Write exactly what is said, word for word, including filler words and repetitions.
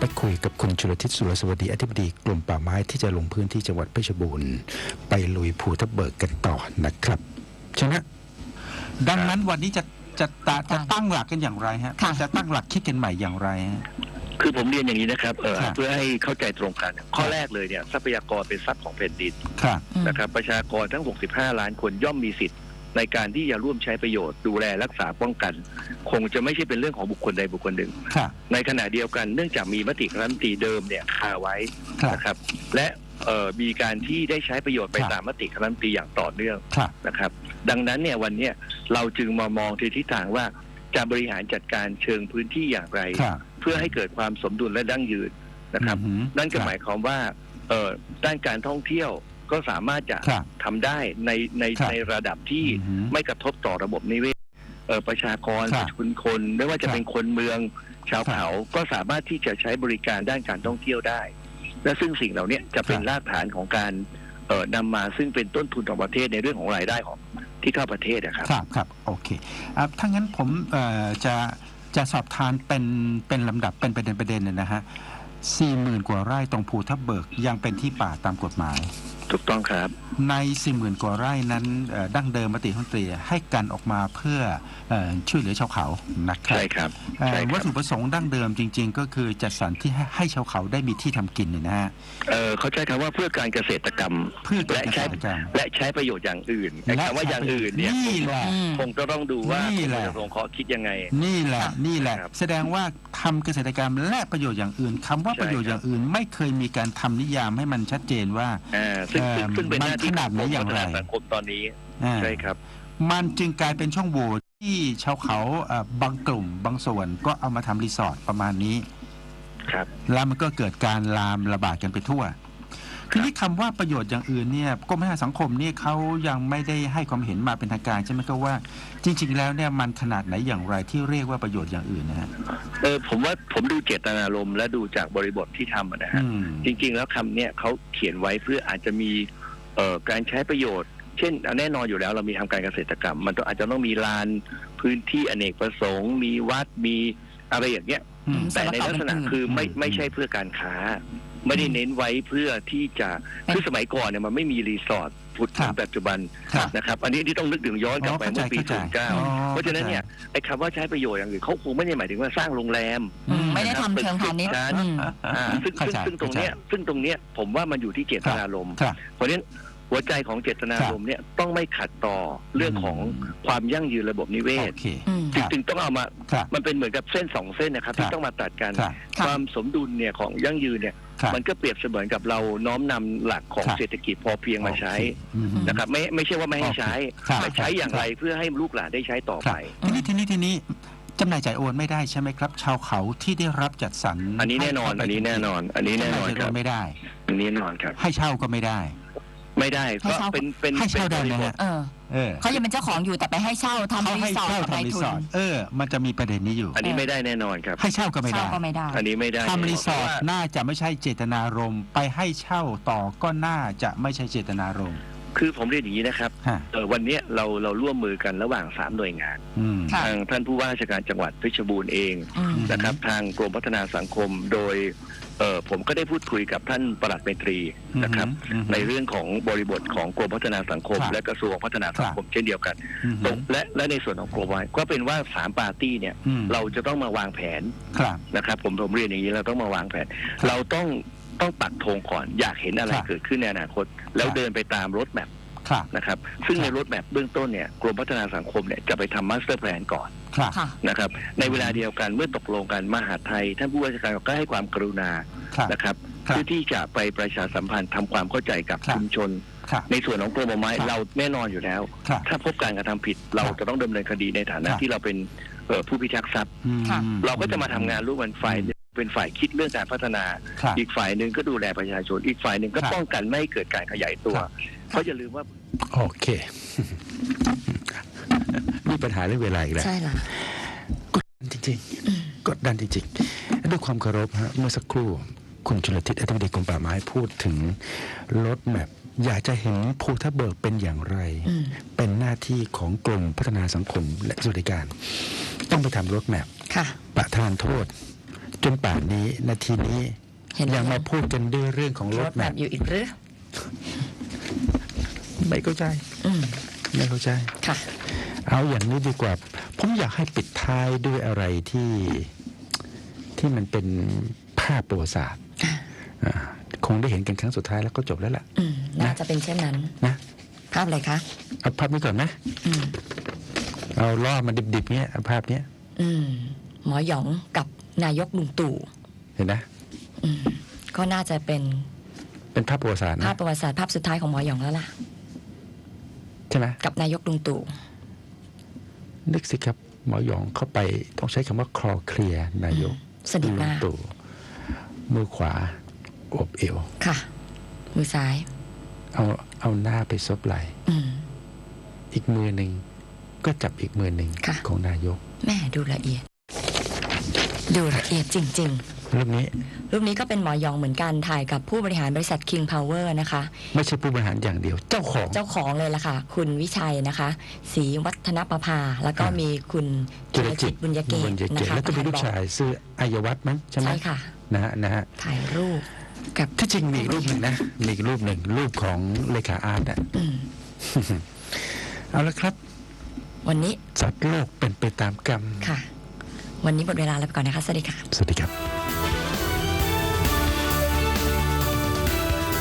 คุยกับคุณชลทิศสุรสวัสดีอธิบดีกรมป่าไม้ที่จะลงพื้นที่จังหวัดเพชรบูรณ์ไปลุยภูทับเบิกกันต่อนะครับใช่ไหมดังนั้นวันนี้จะจะจะจะตั้งหลักกันอย่างไรฮะจะตั้งหลักคิดกันใหม่อย่างไรฮะคือผมเรียนอย่างนี้นะครับเออเพื่อให้เข้าใจตรงกันข้อแรกเลยเนี่ยทรัพยากรเป็นทรัพย์ของแผ่นดินนะครับประชากรทั้งหกสิบห้าล้านคนย่อมมีสิทธิ์ในการที่จะร่วมใช้ประโยชน์ดูแลรักษาป้องกันคงจะไม่ใช่เป็นเรื่องของบุคคลใดบุคคลหนึ่งในขณะเดียวกันเนื่องจากมีมติคณะรัฐมนตรีเดิมเนี่ยคาไว้นะครับและมีการที่ได้ใช้ประโยชน์ไปตามมติคณะรัฐมนตรีอย่างต่อเนื่องนะครับดังนั้นเนี่ยวันนี้เราจึงมามองที่ทิศทางว่าจะบริหารจัดการเชิงพื้นที่อย่างไรเพื่อให้เกิดความสมดุลและยั่งยืนนะครับนั่นก็หมายความว่าด้านการท่องเที่ยวก็สามารถจะทำได้ในในในระดับที่ไม่กระทบต่อระบบนิเวศประชากรประชาชนคนไม่ว่าจะเป็นคนเมืองชาวเขาก็สามารถที่จะใช้บริการด้านการท่องเที่ยวได้และซึ่งสิ่งเหล่านี้จะเป็นรากฐานของการนำมาซึ่งเป็นต้นทุนของประเทศในเรื่องของรายได้ของที่เข้าประเทศนะครับครับครับโอเคถ้างั้นผมจะจะสอบทานเป็นเป็นลำดับเป็นประเด็นประเด็นเลยนะฮะสี่หมื่นกว่าไร่ตรงภูทับเบิกยังเป็นที่ป่าตามกฎหมายถูกต้องครับในสี่หมื่นกว่าไร่นั้นดั้งเดิมมติคณะรัฐมนตรีให้กันออกมาเพื่อช่วยเหลือชาวเขานะครับใช่ครับวัตถุประสงค์ดั้งเดิมจริงๆก็คือจัดสรรที่ให้ชาวเขาได้มีที่ทำกินเนี่ยนะฮะเขาใช้คำว่าเพื่อการเกษตรกรรมเพื่อและใช้และใช้ประโยชน์อย่างอื่นคำว่าอย่างอื่นเนี่ยคงจะต้องดูว่าคุณจะลงเคาะคิดยังไงนี่แหละนี่แหละแสดงว่าทำเกษตรกรรมและประโยชน์อย่างอื่นคำว่าประโยชน์อย่างอื่นไม่เคยมีการทำนิยามให้มันชัดเจนว่าซึ่งเป็นหน้าที่ของกรมพัฒนาสังคมตอนนี้ใช่ครับมันจึงกลายเป็นช่องโหว่ที่ชาวเขาบางกลุ่มบางส่วนก็เอามาทำรีสอร์ทประมาณนี้ครับแล้วมันก็เกิดการลามระบาดกันไปทั่วทีนี้คำว่าประโยชน์อย่างอื่นเนี่ยกรมพัฒนาสังคมนี่เขายังไม่ได้ให้ความเห็นมาเป็นทางการใช่ไหมก็ว่าจริงๆแล้วเนี่ยมันขนาดไหนอย่างไรที่เรียกว่าประโยชน์อย่างอื่นนะฮะเออผมว่าผมดูเจตนารมณ์และดูจากบริบทที่ทำนะฮะจริงๆแล้วคำเนี้ยเขาเขียนไว้เพื่ออาจจะมีเอ่อการใช้ประโยชน์เช่นแน่นอนอยู่แล้วเรามีทำการเกษตรกรรมมันต้องอาจจะต้องมีลานพื้นที่อเนกประสงค์มีวัดมีอะไรอย่างเงี้ยแต่ในลักษณะคือไม่ไม่ใช่เพื่อการค้าไม่ได้เน้นไว้เพื่อที่จะคือสมัยก่อนเนี่ยมันไม่มีรีสอร์ทพุทธในปัจจุบันนะครับอันนี้ที่ต้องนึกถึงย้อนกลับไปเมื่อปีศูนย์เก้าเพราะฉะนั้นเนี่ยไอ้คำว่าใช้ประโยชน์อย่างอื่นเขาคงไม่ได้หมายถึงว่าสร้างโรงแรมไม่ได้ทำเชิงพาณิชย์ซึ่งซึ่งตรงเนี้ยซึ่งตรงเนี้ยผมว่ามันอยู่ที่เจตนารมณ์เพราะฉะนั้นหัวใจของเจตนารมณ์เนี่ยต้องไม่ขัดต่อเรื่องของความยั่งยืนระบบนิเวศจึงต้องเอามามันเป็นเหมือนกับเส้นสองเส้นนะครับที่ต้องมาตัดกันความสมดุลเนี่ยของยั่งยืนเนี่ยมันก็เปรียบเสมือนกับเราน้อมนำหลักของเศรษฐกิจพอเพียงมาใช้นะครับไม่ไม่ใช่ว่าไม่ให้ใช้แต่ใช้อย่างไรเพื่อให้ลูกหลานได้ใช้ต่อไปทีนี้ทีนี้ทีนี้จำหน่ายจ่ายโอนไม่ได้ใช่ไหมครับชาวเขาที่ได้รับจัดสรรอันนี้แน่นอนอันนี้แน่นอนอันนี้แน่นอนครับไม่ได้อันนี้แน่นอนครับให้เช่าก็ไม่ได้ไม่ได้ก็เป็นเป็นให้เช่าได้นะฮะเขายังเป็นเจ้าของอยู่แต่ไปให้เช่าทำรีสอร์ทกับนายทุนเออมันจะมีประเด็นนี้อยู่อันนี้ไม่ได้แน่นอนครับให้เช่าก็ไม่ได้อันนี้ไม่ได้ทำรีสอร์ทน่าจะไม่ใช่เจตนารมณ์ไปให้เช่าต่อก็น่าจะไม่ใช่เจตนารมณ์คือผมเรียนอย่างนี้นะครับวันนี้เราเราร่วมมือกันระหว่างสามหน่วยงานทางท่านผู้ว่าราชการจังหวัดเพชรบูรณ์เองนะครับทางกรมพัฒนาสังคมโดยเออผมก็ได้พูดคุยกับท่านปลัดเมตรีนะครับในเรื่องของบริบทของกรมพัฒนาสังคมและกระทรวงพัฒนาสังคมเช่นเดียวกันและและในส่วนของกรมไว้ก็เป็นว่าสามปาร์ตี้เนี่ยเราจะต้องมาวางแผนนะครับผมผมเรียนอย่างนี้เราต้องมาวางแผนเราต้องต้องปักธงก่อนอยากเห็นอะไรเกิดขึ้นในอนาคตแล้วเดินไปตามรถแมพนะครับซึ่งในรถแมพเบื้องต้นเนี่ยกรมพัฒนาสังคมเนี่ยจะไปทำมาสเตอร์แพลนก่อนนะครับในเวลาเดียวกันเมื่อตกลงกันมหาดไทยท่านผู้ว่าราชการก็ให้ความกรุณานะครับเพื่อที่จะไปประชาสัมพันธ์ทำความเข้าใจกับชุมชนในส่วนของกรมป่าไม้เราแน่นอนอยู่แล้วถ้าพบการกระทำผิดเราจะต้องดำเนินคดีในฐานะที่เราเป็นผู้พิทักษ์ทรัพย์เราก็จะมาทำงานร่วมกันฝ่ายเป็นฝ่ายคิดเรื่องการพัฒนาอีกฝ่ายหนึ่งก็ดูแลประชาชนอีกฝ่ายหนึ่งก็ป้องกันไม่ให้เกิดการขยายตัวเพราะอย่าลืมว่าโอเคมีปัญหาเรื่องเวลาอีกแล้วใช่ล่ะกดดันจริงๆกดดันจริงๆด้วยความเคารพฮะเมื่อสักครู่คุณชลทิศอธิบดีกรมป่าไม้พูดถึงรถแมพอยากจะเห็นภูทับเบิกเป็นอย่างไรเป็นหน้าที่ของกรมพัฒนาสังคมและสวัสดิการต้องไปทำรถแมพประทานโทษจนป่านนี้นาทีนี้เห็นไหมยังมาพูดกันด้วยเรื่องของรรถถแมแบพบอยู่อีกหรือไม่เข้าใจอืมไม่เข้าใจค่ะเอาอย่างนี้ดีกว่า ผมอยากให้ปิดท้ายด้วยอะไรที่ที่มันเป็นภาพประวัติศาสตร์อ่าคงได้เห็นกันครั้งสุดท้ายแล้วก็จบแล้วล่ะอืมน่าจะเป็นเช่นนั้นนะภาพอะไรคะเอาภาพนี้ก่อนนะอืมเอาล่อมันดิบๆเนี้ยเอาภาพเนี้ยอืม หมอหยองกับนายกลุงตู่เห็นนะอืม ก็น่าจะเป็นเป็นภาพประวัติศาสตร์ภานะพประวัติศาสตร์ภาพสุดท้ายของหมอหยองแล้วล่ะใช่ไหมกับนายกลุงตู่นึกสิครับหมอหยองเข้าไปต้องใช้คำว่าคลอเคลียร์นายกสนิทมากลุงตู่มือขวาอวบเอวค่ะ มือซ้ายเอาเอาหน้าไปซบไหล่อืมอีกมือหนึ่งก็จับอีกมือหนึ่งค่ะของนายกแม่ดูละเอียด ดูละเอียดจริงรูปนี้ๆ รูปนี้ก็เป็นหมอหยองเหมือนกันถ่ายกับผู้บริหารบริษัท King Power นะคะไม่ใช่ผู้บริหารอย่างเดียว เจ้าของเจ้าของเลยล่ะค่ะ คุณวิชัยนะคะศรีวัฒนประภา แล้วก็อ่ามีมีคุณจิรจิตบุญยเกบุตญยเกนะตคะแล้วก็มีลูกชายชื่ออายวัฒน์มั้งใช่ไหมใช่ค่ะนะฮะนะฮะถ่ายรูปกับที่จริงมีอีกรูปหนึ่งนะมีอีกรูปหนึ่งรูปของเลขาอาร์ตอ่ะอืมเอาละครับวันนี้สัตว์โลกเป็นไปตามกรรมค่ะ วันนี้หมดเวลาแล้วไปก่อนนะคะ สวัสดีค่ะสวัสดีครับ